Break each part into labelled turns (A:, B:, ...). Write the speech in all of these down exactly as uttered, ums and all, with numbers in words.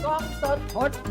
A: กล้องสด
B: พดบู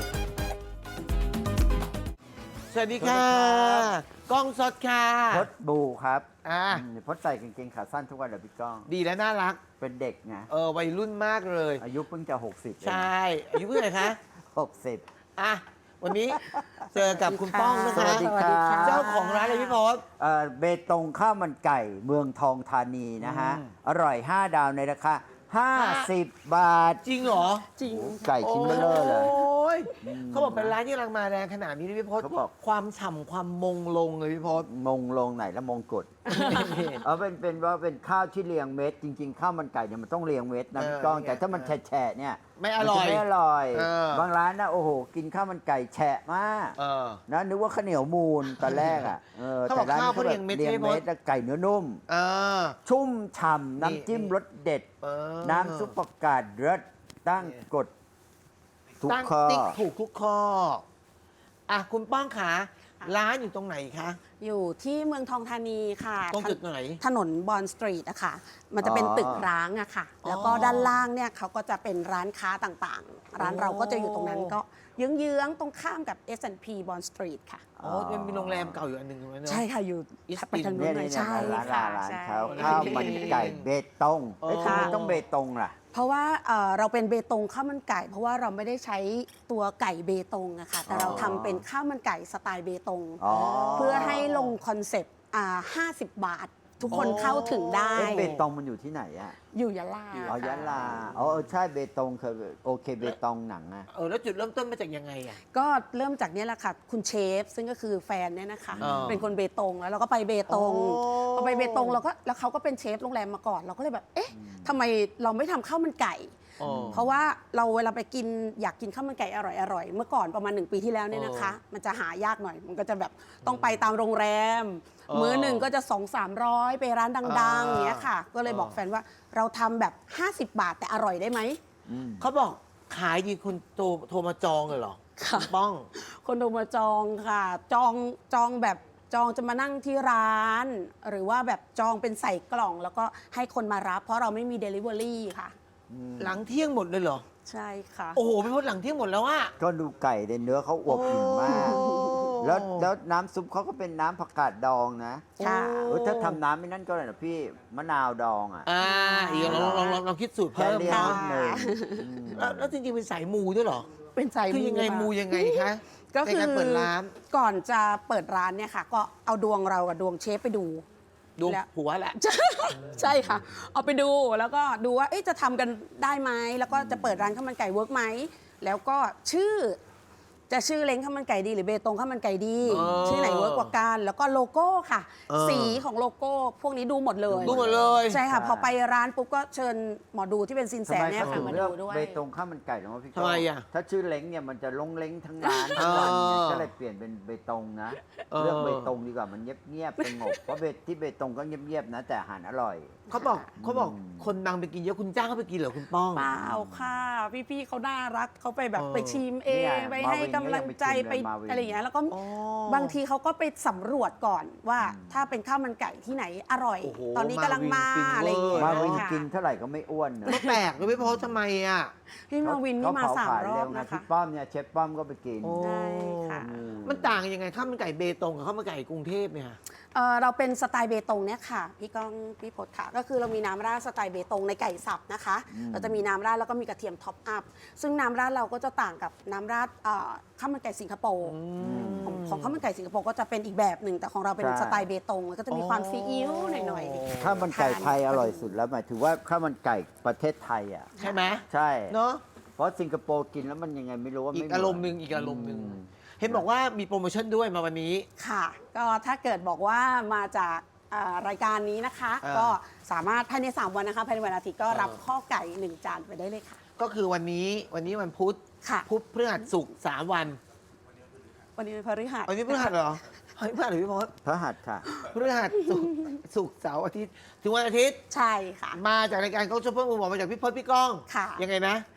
A: สวัสดีค่ะกล้องสดค่ะ
B: พดบูครับ
A: อ่า
B: อืมพดใส่กางเกงขาสั้นทุกวันเลยพี่ก้อง
A: ดีและน่ารัก
B: เป็นเด็กไง
A: เออวัยรุ่นมากเลย
B: อายุเพิ่งจะหกสิบ
A: ใช่อายุเท่าไหร่คะ
B: หกสิบ
A: อ่ะวันนี้เจอกับคุณป้องนะ
B: ส
A: คะ
B: วัสดีค่ะ
A: เจ้าของร้านเลยพี่พศ
B: เอ่อเบตงข้าวมันไก่เมืองทองธานีนะฮะ
A: อืม
B: อร่อย ห้า ดาวในราคา ห้าสิบ บาท
A: จริงเหรอ
C: จริง
B: ไก่ชิ้นเบลอเลย
A: โอ้ย
B: อืม
A: เขาบอกเป็นร้านที่กำลังมาแรงขนาดนี้นะพี่พศ
B: เขาบอก
A: ความฉ่ำความมงลงเลยพี่พศ
B: มงลงไหนแล้วมงกฎ เออเป็นเป็นว่าเป็นข้าวที่เรียงเม็ดจริง ๆ ข้าวมันไก่เนี่ยมันต้องเรียงเม็ดนะ
A: เออ
B: พี่ก้อง
A: เนี่ย
B: แต่ถ้ามันแฉะๆเนี่ย
A: ไม่อร่อย
B: มันจะไม่อร่อย
A: เออบ
B: างร้านนะโอ้โห กินข้าวมันไก่แฉะมาก
A: เออ
B: นะนึกว่าข้าวเหนียวมูนตอนแรกอ่ะเออ
A: เขาบอก
B: แต่ร้าน
A: ข้าว
B: เขา
A: เขา
B: แบ
A: เรีย
B: บ
A: งเม็ด
B: เรียง
A: ใช่ไหม
B: เม็ดแล้วไก่เนื้อนุ่ม
A: เออ
B: ชุ่มฉ่ำน้ำจิ้ม
A: นี่
B: รสเด็ด
A: เออ
B: น้ำซุปประกาศรสตั้งกฎทุก
A: ตั้ง
B: ข้อ
A: ติ๊กถูกทุกข้อ อ่ะ คุณป้องขาร้านอยู่ตรงไหนคะ
C: อยู่ที่เมืองทองธานีค่ะ
A: ตรงจุดไหน
C: ถนนบอนสตรีทอะค่ะ มันจะเป็นตึกร้างอะค่ะ แล้วก็ด้านล่างเนี่ยเขาก็จะเป็นร้านค้าต่างๆ ร้านเราก็จะอยู่ตรงนั้นก็เยื้องๆ ตรงข้ามกับ เอส แอนด์ พี บอนสตรีทค่ะ
A: อ๋อมันมีโรงแรมเก่าอยู่อันหนึ่งถูกไหมเนอะ
C: ใช่ค่ะ อยู่
A: East
C: ไปทางนู้
B: เนี่ย
C: นหน่อย
B: เนี่ย
C: ใช่
B: ร้าน
C: ค่ะ
B: ร้าน
C: ใช่
B: เขาข้าวมันไก่เบตงเอ้ย
A: เออ
B: ทำไมต้องเบตงล่ะ
C: เพราะว่าเอ่อเราเป็นเบตงข้าวมันไก่ เพราะว่าเราไม่ได้ใช้ตัวไก่เบตงอะค่ะ แต่เราทำเป็นข้าวมันไก่สไตล์เบตง
B: อ๋อ
C: เพื่อให้ลงคอนเซปต์อ่าห้าสิบบาท ทุกคนเข้าถึงได้
B: เอ๊ะเบตงมันอยู่ที่ไหนอ่ะ
C: อยู่ยะลา
B: อ๋อยะลาอ๋อเออใช่เบตงเคยโอเคเบตงหนังอ่ะ
A: เออแล้วจุดเริ่มต้นมาจากยังไงอ่ะ
C: ก็เริ่มจากเนี้ยแหละค่ะ คุณเชฟ ซึ่งก็คือแฟนเนี่ยนะคะ
A: อ่า
C: เป็นคนเบตงแล้วเราก็ไปเบตง
A: โอ้
C: พอไปเบตงเราก็แล้วเขาก็เป็นเชฟโรงแรมมาก่อน เราก็เลยแบบ เอ๊ะทำไมเราไม่ทำข้าวมันไก่
A: อ๋อ
C: เพราะว่าเราเวลาไปกินอยากกินข้าวมันไก่อร่อยๆ เมื่อก่อนประมาณหนึ่งปีที่แล้วเนี่ยนะคะ มันจะหายากหน่อย มันก็จะแบบต้องไปตามโรงแรม
A: เออ
C: มื้อหนึ่งก็จะสองสามร้อยไปร้านดังๆ
A: อ่า
C: อย่างเงี้ยค่ะ ก็เลยบอก
A: เออ
C: แฟนว่าเราทำแบบ ห้าสิบบาทแต่อร่อยได้ไหม
B: อืม
A: เขาบอกขายดีคุณโทรโทรมาจองเลยเหรอ
C: ค่ะ
A: ณป้อง
C: คนโทรมาจองค่ะ จองจองแบบจองจะมานั่งที่ร้าน หรือว่าแบบจองเป็นใส่กล่อง แล้วก็ให้คนมารับ เพราะเราไม่มี Delivery ค่ะ
A: หลังเที่ยงหมดเลยเหรอ
C: ใช่ค่ะ
A: โอ้โหพี่พศหลังเที่ยงหมดแล้วอ่ะ
B: ก็ดูไก่ในเนื้อเขาอวบอิ่มมาก
A: โอ้
B: แล้วแล้วน้ำซุปเขาก็เป็นน้ำผักกาดดองนะ
C: ค่ะ
B: เออถ้าทำน้ำไม่นั่นก็เลยนะพี่มะนาวดองอ่ะ
A: อ่าอีกลองลองลองลองคิดสูตร
B: แค่
A: เพิ่ม
B: เรียก
C: ค่ะ
B: นิดหนึ่งอืม
A: แล้วแล้วจริงๆเป็นสายมูด้วยเหรอ
C: เป็นใส่
A: คือยังไง
C: ค่ะ
A: มูยังไงคะ
C: ก็
A: ใน
C: คือ
A: การเปิดร้าน
C: ก่อนจะเปิดร้านเนี่ยค่ะ ก็เอาดวงเรากับดวงเชฟไปดู
A: ดู
C: แล้ว
A: ผัวแหละ
C: ใช่ค่ะ เอาไปดูแล้วก็ดูว่าเอ๊ะจะทำกันได้ไหมแล้วก็จะเปิดร้านข้าวมันไก่เวิร์กไหมแล้วก็ชื่อ จะชื่อเล้งข้าวมันไก่ดีหรือเบตงข้าวมันไก่ดี
A: เออ
C: ชื่อไหนเวิร์กกว่ากันแล้วก็โลโก้ค่ะ
A: เออ
C: สีของโลโก้ พวกนี้ดูหมดเลย
A: ดูหมดเลย
C: ใช่ค่ะ พอไปร้านปุ๊บก็เชิญหมอดูที่เป็นซินแส
B: ทำไม
C: เนี่ย
B: เขา
C: ค่ะ
B: ถึง
C: มา
B: เลือก
C: ดูด้วย
B: เบตงข้าวมันไก่หรอวะพี่ก้
A: ทำไมอ่ะ
B: ถ้าชื่อเล้งเนี่ยมันจะลงเล้งทั้งร้านทั้งวันไง
A: เออ
B: ก็เลยเปลี่ยนเป็นเบตงนะ
A: เออ
B: เลือกเบตงดีกว่ามันเงียบเงียบๆสงบเพราะเบตที่เบตงก็เงียบเงียบๆนะ แต่อาหารอร่อย
A: เขาบอกเขาบอก
B: อืม
A: คนดังไปกินเยอะคุณจ้างเขาไปกินเหรอคุณป้อง
C: เปล่าค่ะ พี่ๆเขาน่ารักเขาไปแบบ
A: เออ
C: ไปชิมเอง
B: เนี่ย
C: ไปให้กำลังใจ
B: มาวินก็ยัง
C: ไป
B: ไปชิมเลยมาวิน
C: อะไรอย่างเงี้ยแล้วก็
A: อ๋อ
C: บางทีเขาก็ไปสำรวจก่อนว่าถ้าเป็นข้าวมันไก่ที่ไหนอร่อย
A: โอ้โห
C: ตอนนี้กำลังมา
A: มาวิน
C: อะไรอย่างเงี้ย
B: มาวิน
C: ค่ะ
B: กินเท่าไหร่ก็ไม่อ้วนนะ
A: ก็แปลกเลยไม่พอทำไมอ่ะ
C: พี่มาวินนี่มาสามรอบนะคะ
B: พี่ป้อมเนี่ยเชฟป้อมก็ไปกิน
A: โอ้
C: ใช่ค่ะ
B: อืม
A: มันต่างกันยังไงข้าวมันไก่เบตงกับข้าวมันไก่กรุงเทพเนี่ย
C: เอ่อเราเป็นสไตล์เบตงเนี่ยค่ะ พี่ก้องพี่พศค่ะ ก็คือเรามีน้ำราดสไตล์เบตงในไก่สับนะคะ
B: อืม
C: เราจะมีน้ำราดแล้วก็มีกระเทียมท็อปอัพซึ่งน้ำราดเราก็จะต่างกับน้ำราดเอ่อข้าวมันไก่สิงคโปร์ของของข้าวมันไก่สิงคโปร์ก็จะเป็นอีกแบบหนึ่งแต่ของเราเป็น
B: ใช่
C: สไตล์เบตงแล้วก็จะมีความซีอิ๊วหน่อย
B: ข้าวมันไก่ไทยอร่อยสุดแล้วหมายถึงว่าข้าวมันไก่ประเทศไทยอ่ะ
A: ใช่ไหม
B: ใช่
A: เนาะ
B: เพราะสิงคโปร์กินแล้วมันยังไงไม่รู้ว่า
A: อี
B: ไม่
A: ก
B: เห
A: อารมณ์หนึ่งอีกอารมณ์หนึ่ง
B: อืม
A: เห็นบอกว่ามีโปรโมชั่นด้วยมาวันนี้
C: ๆค่ะ ก็ถ้าเกิดบอกว่ามาจากอ่ารายการนี้นะคะ
A: อ่า
C: ก็สามารถภายในสามวันนะคะภายในวันอาทิตย์ก็รับ
A: อ่า
C: ข้อไก่หนึ่งจานไปได้เลยค่ะ
A: ก็คือวันนี้วันนี้วันพุธ
C: ค่ะ
A: พุธพฤหัสศุกร์สามวัน
C: วันนี้เป็นพฤหัส
A: วันนี้พฤหัสเหรอเฮ้ยพฤหัสหรือพี่พศ
B: พระหัตถ์ค่ะ
A: พฤหัสศุกร์ศุกร์เสาร์อาทิตย์ถึงวันอาทิตย์
C: ใช่ค่ะ
A: มาจากรายการเขาชอบเพิ่มมือบอกมาจากพี่พศพี่ก้อง
C: ค่ะ
A: ยังไงนะ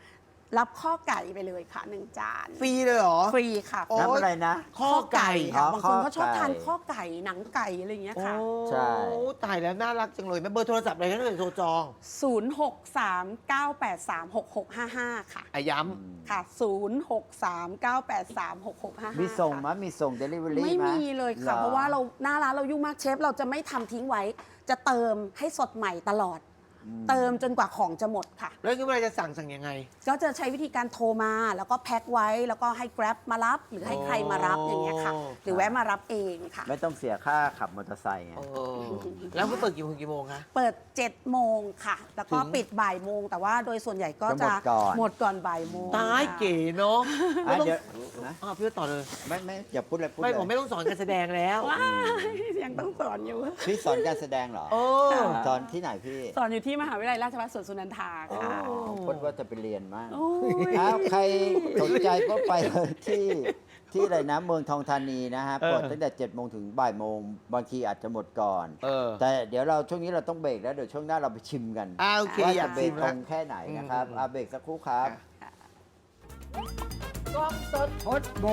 C: รับข้อไก่ไปเลยค่ะหนึ่งจาน
A: ฟรีเลยเหรอ
C: ฟรีค่ะ
A: โอ้
B: น้ำอะไรนะ
A: ข้อไก่
C: ค่ะ
B: อ๋อบ
C: างคนเขาชอบ
B: ข้อไก่
C: ทานข้อไก่หนังไก่อะไรอย่างเงี้ยค่ะ
A: โอ้
B: ใช่
A: ตายแล้วน่ารักจังเลยแม่เบอร์โทรศัพท์อะไรก็ได้โทรจอง
C: ศูนย์ หก สาม เก้า แปด สาม หก หก ห้า ห้า ค่ะ
A: อาย้
C: ค่ะ ศูนย์ หก สาม เก้า แปด สาม หก หก ห้า ห้า
B: มีส่ง
C: ค่ะ
B: มั้ยมีส่งเดลิเวอรี่
C: ไม่
B: มั้ย
C: มีเลยค่ะ
B: หอ
C: เพราะว่าเราหน้าร้านเรายุ่งมากเชฟ เราจะไม่ทำทิ้งไว้ จะเติมให้สดใหม่ตลอด
B: อืม
C: เติมจนกว่าของจะหมดค่ะ
A: ำแล้วนี่เวลาจะสั่งสั่งยังไง
C: ก็จะใช้วิธีการโทรมาแล้วก็แพ็คไว้แล้วก็ให้ Grab มารับ หรือให้ใครมารับอย่างเงี้ยค่ะ
A: โอ้
C: หรือแวะมารับเองค่ะ
B: ไม่ต้องเสียค่าขับมอเตอร์ไซค์ไง
A: เออแล้วเขาเปิดกี่โมงกี่โมงคะ
C: เปิดเจ็ดโมงค่ะ แล้วก็
A: ถึง
C: ปิดบ่ายโมง แต่ว่าโดยส่วนใหญ่ก็
B: จะ
C: จะ
B: หมดก่อน
C: หมดก่อนบ่ายโมง
A: ตายเก๋เนาะ
B: อ่ะ
A: ไม่ต้อง
B: เดี๋ยวนะ
A: อ้าวพี่ต่อเลย
B: ไม่ไม่อย่าพูดเลยพูด
A: ไม่
B: เลย
A: ผมไม่ต้องสอนการแสดงแล้ว
C: ว้ายยังต้องสอนอยู่
B: พี่สอนการแสดงเหรอ
A: โอ้
B: สอนที่ไหนพี่
C: สอนอยู่ที่มหาวิทยาลัยราชภัฏสวนสุนันทาค่ะ
A: โอ้
B: พูดว่าจะไปเรียนมาก
C: โอ้ย
B: ครับใครสนใจก็ไปเลยที่ที่อะไรนะเมืองทองธานีนะฮะ
A: เออ
B: เปิดตั้งแต่เจ็ดโมงถึงบ่ายโมงบางทีอาจจะหมดก่อน
A: เออ
B: แต่เดี๋ยวเราช่วงนี้เราต้องเบรกแล้วเดี๋ยวช่วงหน้าเราไปชิมกัน
A: อ่าโอเค
B: ว่า
A: อยา
B: จะ
A: ก
B: เบร
A: ชิ
B: ก
A: ม
B: ต
A: แล้
B: ร
A: ว
B: งแค่ไหนนะครับ
A: อืม
B: อาเบรกสักครู่ครับ
A: ค่ะ
B: กล้องสดพดบู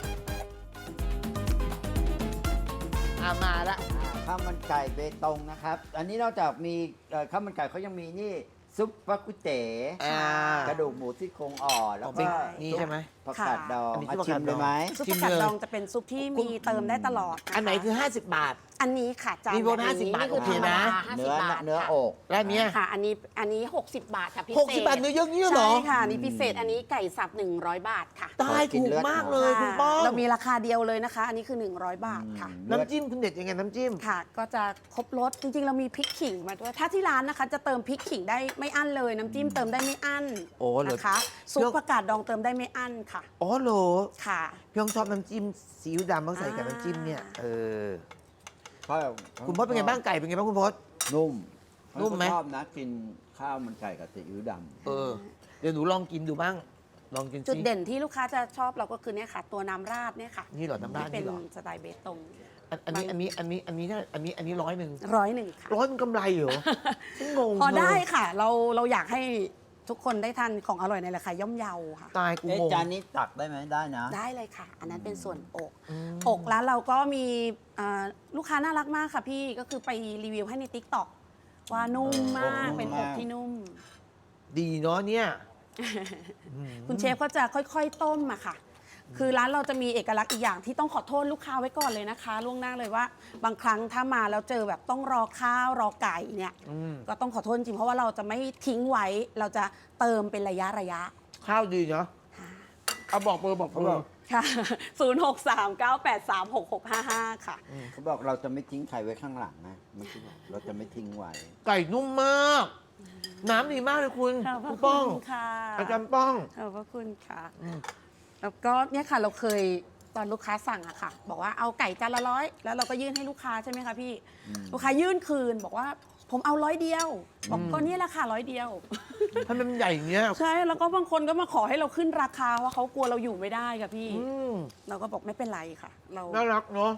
A: อ่ามาละ
B: อ่าข้าวมันไก่เบตงนะครับ อันนี้นอกจากมีเอ่อข้าวมันไก่เขายังมีนี่ซุปฟักกุเต๋
A: อ่าก
B: ระดูกหมูซี่โครงอ่อนแล้ว
A: อ๋อเป็
B: ก็
A: นนี่ใช่ไหม
B: ผักกาดดอง
A: อันนี้
B: อ่ะ
A: คือผัก
B: ชิ
A: กาด
B: ม
A: ด
B: เล
A: อง
B: ยไหม
C: ซุป
A: ชิ
C: ผั
A: ม
C: กกาด
A: เลย
C: ดองจะเป็นซุปที่มีเติมได้ตลอดะะ
A: อันไหนคือ ห้าสิบบาท
C: อันนี้ค่ะจาน
A: มีโบนัส
C: แบบ
A: สิบบาท
C: นี่คือ
A: โอเคนะ
C: ธรรมดาห้าสิ
B: เนื้
C: บ
B: อบ
C: าท
B: เนื้อ
C: ค่ะ
B: อก
A: แล้วอันเนี้ย
C: ค่ะ อันนี้อันนี้ 60 บาทค่ะพิเศษ
A: หกสิบบาทเนื้อเยอะเงี้ยเหรอ
C: ใช่ค่ะอันนี้พิเศษอันนี้ไก่สับ หนึ่งร้อย บาทค่ะ
A: ตายถูกมากเลยคุณป้อง
C: เรามีราคาเดียวเลยนะคะ อันนี้คือ หนึ่งร้อย บาทค่ะ
B: อืม
A: น้ำจิ้มคุณเด็ดยังไงน้ำจิ้ม
C: ค่ะ ก็จะครบรสจริงๆ เรามีพริกขิงมาด้วย ถ้าที่ร้านนะคะ จะเติมพริกขิงได้ไม่อั้นเลย น้ำจิ้มเติมได้ไม่อั้น
A: โอ้เหรอ
C: นะคะซุปผักกาดดองเติมได้ไม่อั้นค่ะ
A: อ๋อเหรอ
C: ค่ะ
A: พี่ต้องชอบน้ำจิ้มซีอิ๊วดำต้องใส่กับน้ำจิ้มเนี่ย เออ
B: เพราะ
A: คุณพศเป็นไงบ้างไก่เป็นไงบ้างคุณพศ
B: นุ่ม
A: นุ่มไหม
B: เขาชอบนะกินข้าวมันไก่กับซีอิ๊วดำ
A: เออ เดี๋ยวหนูลองกินดูบ้าง ลองกิน
C: จุด
A: สิ
C: เด่นที่ลูกค้าจะชอบเราก็คือเนี่ยค่ะ ตัวน้ำราดเนี่ยค่ะ
A: นี่เหรอน้ำราด
C: ที่เป็
A: นี่
C: น
A: เหรอ
C: สไตล์เบตง
A: อันอันนี้อันนี้อันนี้อันนี้เท่าอันนี้อันนี้ร้อยหนึ่ง
C: ร้อยหนึ่งค่ะ
A: ร้อยมันกำไรเหรอฉันงง
C: พอได้
A: เลย
C: ค่ะ เราเราอยากให้ทุกคนได้ทานของอร่อยในราคาย่อมเยาค่ะ
A: ตายกู
B: เอ๊ะ
A: งง
B: จานนี้ตักได้ไหมได้นะ
C: ได้เลยค่ะ อันนั้นเป็นส่วนอก
A: อืม
C: อกร้านเราก็มีเอ่อลูกค้าน่ารักมากค่ะพี่ก็คือไปรีวิวให้ใน ติ๊กต็อก ว่านุ่มมาก
B: เออ
C: เป็น
B: นุ่
C: อ
B: ม
C: ก
B: มาก
C: ที่นุ่ม
A: ดีเนาะเนี่ย
C: คุณเชฟก็จะค่อยๆ ต้มอะค่ะ คือร้านเราจะมีเอกลักษณ์อีกอย่างที่ต้องขอโทษลูกค้าไว้ก่อนเลยนะคะ ล่วงหน้าเลยว่า บางครั้งถ้ามาแล้วเจอแบบต้องรอข้าวรอไก่เนี่ย
A: อืม
C: ก็ต้องขอโทษจริงเพราะว่าเราจะไม่ทิ้งไว้ เราจะเติมเป็นระยะระยะ
A: ข้าวดีเนาะเอาบอกเบอร์บอกเบอร์
C: ค่ะ ศูนย์ หก สาม เก้า แปด สาม หก หก ห้า ห้า ค่ะ
B: เขาบอกเราจะไม่ทิ้งใครไว้ข้างหลังนะเมื่อกี้บอกเราจะไม่ทิ้งไว้
A: ไก่นุ่มมาก น้ำดีมากเลยคุณ
C: ขอบพระ
A: คุณป้อง
C: คุณค่ะ
A: อาจารย์ป้อง
C: ขอบพระคุณค่ะ
A: อืม
C: แล้วก็เนี่ยค่ะเราเคยตอนลูกค้าสั่งอะค่ะ บอกว่าเอาไก่จานละร้อยแล้วเราก็ยื่นให้ลูกค้าใช่ไหมคะพี่
B: อืม
C: ลูกค้ายื่นคืนบอกว่าผมเอาร้อยเดียวบอกก็เนี่ยแหละค่ะร้อยเดียว
A: ทำไมมันใหญ่อย่างเงี้ย
C: ใช่แล้วก็บางคนก็มาขอให้เราขึ้นราคาว่าเขากลัวเราอยู่ไม่ได้ค่ะพี่
A: อืม
C: เราก็บอกไม่เป็นไรค่ะ เรา
A: น่ารักเนาะ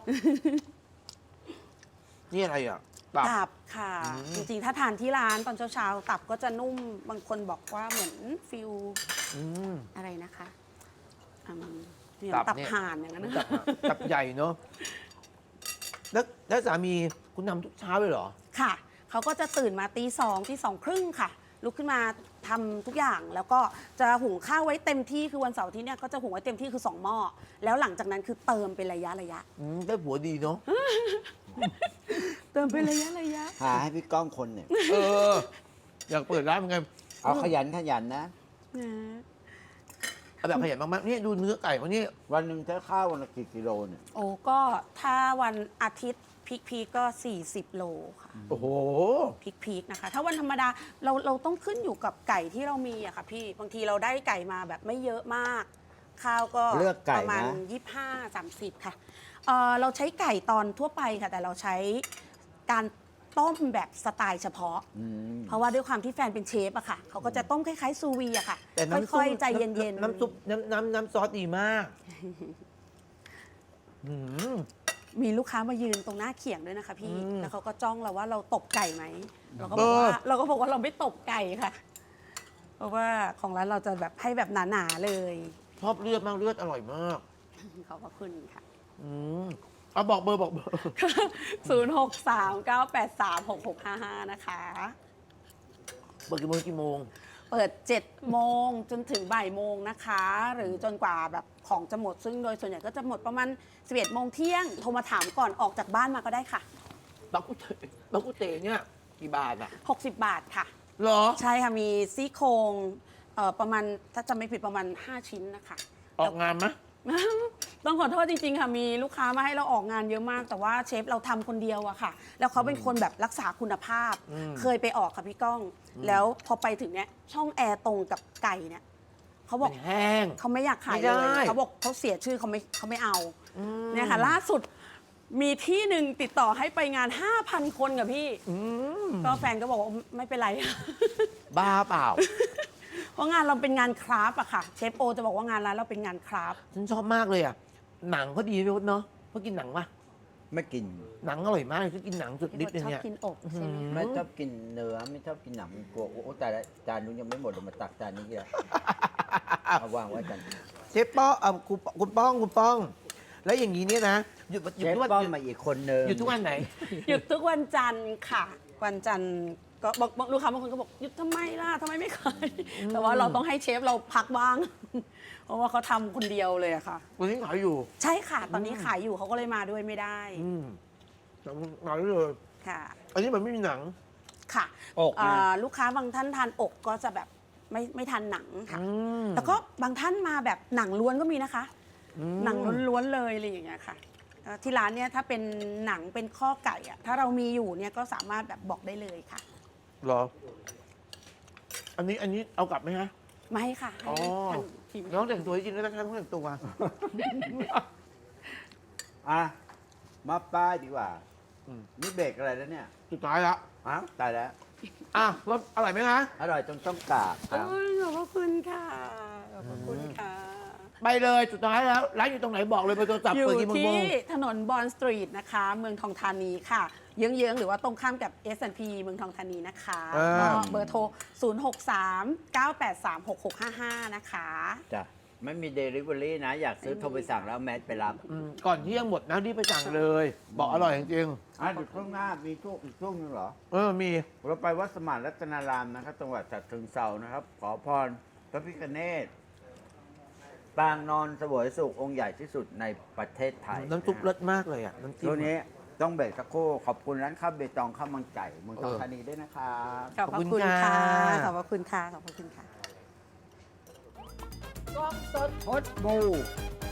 A: นี่อะไรอ่ะตับ
C: ตับค่ะ
A: อืม
C: จริงๆ ถ้าทานที่ร้านตอนเช้าๆตับก็จะนุ่มบางคนบอกว่าเหมือนฟิล
A: อืม
C: อะไรนะคะอืมเนี่ย
A: ตับ
C: ตับ
A: เนี่ย
C: ห่านอย่างนั้นนะ
A: ตับอะตับใหญ่เนาะ แล้วแล้วสามีคุณทำทุกเช้าเลยเหรอ
C: ค่ะ เขาก็จะตื่นมาตีสองตีสองครึ่งค่ะ ลุกขึ้นมาทำทุกอย่าง แล้วก็จะหุงข้าวไว้เต็มที่คือวันเสาร์อาที่เนี่ยก็จะหุงไว้เต็มที่คือสองหม้อ แล้วหลังจากนั้นคือเติมเป็นระยะระยะ
A: อืมได้ผัวดีเนาะ
C: เติมเป็นระยะระยะ
B: หาให้พี่ก้องคนเนี่ย
A: เออ อยากเปิดร้านเหมือนกัน
B: เอาขยันขยันนะ
C: นะ
A: เอาแบบขยันมากๆนี่ดูเนื้อไก่เขานี่
B: วันหนึ่งเธอข้าววันละกี่กิโลเนี่ย
C: โอ้ก็ถ้าวันอาทิตย์พีคพีก็ สี่สิบ โลค่ะ
A: โอ้โห
C: พีคพีคนะคะ ถ้าวันธรรมดาเราเราต้องขึ้นอยู่กับไก่ที่เรามีอะค่ะพี่ บางทีเราได้ไก่มาแบบไม่เยอะมาก ข้าวก็
B: เลือกไก่
C: ประมาณ
B: นะ
C: ยี่สิบห้า สามสิบ ค่ะเอ่อเราใช้ไก่ตอนทั่วไปค่ะ แต่เราใช้การต้มแบบสไตล์เฉพาะ
B: อืม
C: เพราะว่าด้วยความที่แฟนเป็นเชฟอะค่ะ เขาก็จะต้มคล้ายๆซูวีอะค่ะ
A: แต่น้ำซุป
C: ค่อยๆ ใจเย็นๆ
A: น้ำซุปน้ำน้ำน้ำซอสดีมากอืม
C: มีลูกค้ามายืนตรงหน้าเขียงด้วยนะคะพี่
A: อืม
C: แล้วเขาก็จ้องเราว่าเราตบไก่ไหม เราก็บอกว่า
A: เออ
C: เราก็บอกว่าเราไม่ตบไก่ค่ะเพราะว่าของร้านเราจะแบบให้แบบหนาๆเลย
A: ชอบเลือดมากเลือดอร่อยมาก
C: ขอบพระคุณค่ะ
A: อืมเอาบอกเบอร์บอกเบอร์
C: ศูนย์ หก สาม เก้า แปด สาม หก หก ห้า ห้า นะคะ
A: เปิดกี่โมงกี่โมง
C: เปิด เจ็ด โมงจนถึงบ่ายโมงนะคะ หรือจนกว่าแบบของจะหมด ซึ่งโดยส่วนใหญ่ก็จะหมดประมาณ สิบเอ็ด โมงเที่ยง โทรมาถามก่อนออกจากบ้านมาก็ได้ค่ะ
A: บักกุเตบักกุเตเนี่ยกี่บาทอ่ะ
C: หกสิบ บาทค่ะ
A: เหรอ
C: ใช่ค่ะ มีซี่โครงเอ่อประมาณถ้าจำไม่ผิดประมาณ ห้า ชิ้นนะคะ
A: ออกงานไหม
C: ต้องขอโทษจริงๆค่ะ มีลูกค้ามาให้เราออกงานเยอะมาก แต่ว่าเชฟเราทำคนเดียวอะค่ะ แล้วเขาเป็นคนแบบรักษาคุณภาพ
A: อืม
C: เคยไปออกค่ะพี่ก้อง แล้วพอไปถึงเนี้ยช่องแอร์ตรงกับไก่เนี่ยเขาบอก
A: มันแห้ง
C: เขาไม่อยากขาย
A: ไม่
C: เล
A: ได้
C: ยเขาบอกเขาเสียชื่อเขาไม่เขาไม่เอา
A: อืม
C: เนี่ยค่ะล่าสุดมีที่หนึ่งติดต่อให้ไปงาน ห้าพัน คนกับพี่
A: อืม
C: ก็แฟนก็บอกว่าไม่เป็นไร
A: บ้าเปล่า
C: เพราะงานเราเป็นงานคราฟต์อะค่ะ เชฟโอจะบอกว่างานร้านเราเป็นงานคราฟต์
A: ฉันชอบมากเลยอ่ะ หนังเขาดีพี่พศเนาะเขากินหนังปะ
B: ไม่กิน
A: หนังอร่อยมากฉันกินหนังสุดฤทธิ์เลย
C: ชอบ
A: เนี่ย
C: กินอกใช่ไหม
A: อืม
B: ไม่ชอบกินเนื้อไม่ชอบกินหนังมันกลัวโอ้โหแต่ละจานนู้นยังไม่หมดเลยมาตักจานนี้เลยเอาวางไว้กัน
A: เชฟป้องเอ่อคุณคุณป้องคุณป้อง แล้วอย่างนี้เนี่ยนะหยุดห
B: เช
A: ยุด
B: ฟ
A: ทุกวัน
B: ป้อม
A: หยุด
B: มาอีกคนนึง
A: หยุดทุกวันไหน
C: หยุดทุกวันจันทร์ค่ะ วันจันทร์ก็บอกบอกลูกค้าบางคนก็บอกหยุดทำไมล่ะทำไมไม่ขายแต่ว่าเราต้องให้เชฟเราพักบ้าง เพราะว่าเขาทำคนเดียวเลยอะค่ะ
A: วันนี้ขายอยู่
C: ใช่ค่ะ ตอนนี้ขายอยู่เขาก็เลยมาด้วยไม่ได้
A: อืมหนังขายเลย
C: ค่ะ
A: อันนี้มันไม่มีหนัง
C: ค่ะ
B: อก
C: อ่า
B: นะ
C: ลูกค้าบางท่านทานอกก็จะแบบไม่ไม่ทานหนังค่ะ
A: อืม
C: แล้วก็บางท่านมาแบบหนังล้วนก็มีนะคะ
A: อืม
C: หนังล้วนๆเลยอะไรอย่างเงี้ยค่ะเอ่อที่ร้านเนี่ยถ้าเป็นหนังเป็นข้อไก่อะถ้าเรามีอยู่เนี่ยก็สามารถแบบบอกได้เลยค่ะ
A: เหรอ อันนี้อันนี้เอากลับไหมฮะ
C: ไม่ค่ะให้
A: อ๋อ
C: ทางทีม
A: น้องแต่งตัวให้จริงแล้วนะคะน้องแต่งตัว
B: อ่ะมาป้ายดีกว่า
A: อืม
B: นี่เบรกอะไรแล้วเนี่ย
A: สุดท้ายแล้ว
B: อ้าวตายแล้ว
A: อ่ะรสอร่อยไหมคะ
B: อร่อยจนต้องกราบครับ
C: โอ้ยขอบพระคุณค่ะขอบพระคุณค่ะ
A: ไปเลยสุดท้ายแล้ว ร้านอยู่ตรงไหนบอกเลยเบอร์โทรศัพท์
C: อยู่
A: เปิดกี่โมง
C: ที่ถนนบอนสตรีทนะคะ เมืองทองธานีค่ะ เยื้องๆ หรือว่าตรงข้ามกับ เอส แอนด์ พี เมืองทองธานีนะคะ
A: อ่า
C: ก็เบอร์โทร ศูนย์ หก สาม เก้า แปด สาม หก หก ห้า ห้า นะคะ
B: จ้ะไม่มีเดลิเวอรี่นะ อยากซื้อโทรไปสั่งแล้วแมสไปรับ
A: อืมก่อนเที่ยงหมดนะรีบไปสั่งเลย บอกอร่อยจริง
B: อ่ะเดี๋ยวช่วงหน้ามีช่วงอีกช่วงหนึงเหรอ
A: ๆเออมี
B: เราไปวัดสมานรัตนารามนะครับจังหวัดฉะเชิงเทรานะครับ ขอพรพระพิฆเนศปางนอนเสวยสุของค์ใหญ่ที่สุดในประเทศไทย
A: น้ำซุปเลิศมากเลยอ่ะน้ำจิ้ม
B: ช่วงนี้ต้องเบรกสักครู่ขอบคุณร้านข้าวเบตองข้าวมังไก่เมืองทอง
A: เออ
B: ธานีด้วยนะครับ
C: ขอบพระคุณค่ะ ขอบพระคุณค่ะ ขอบพระคุณค่ะ
B: พดบู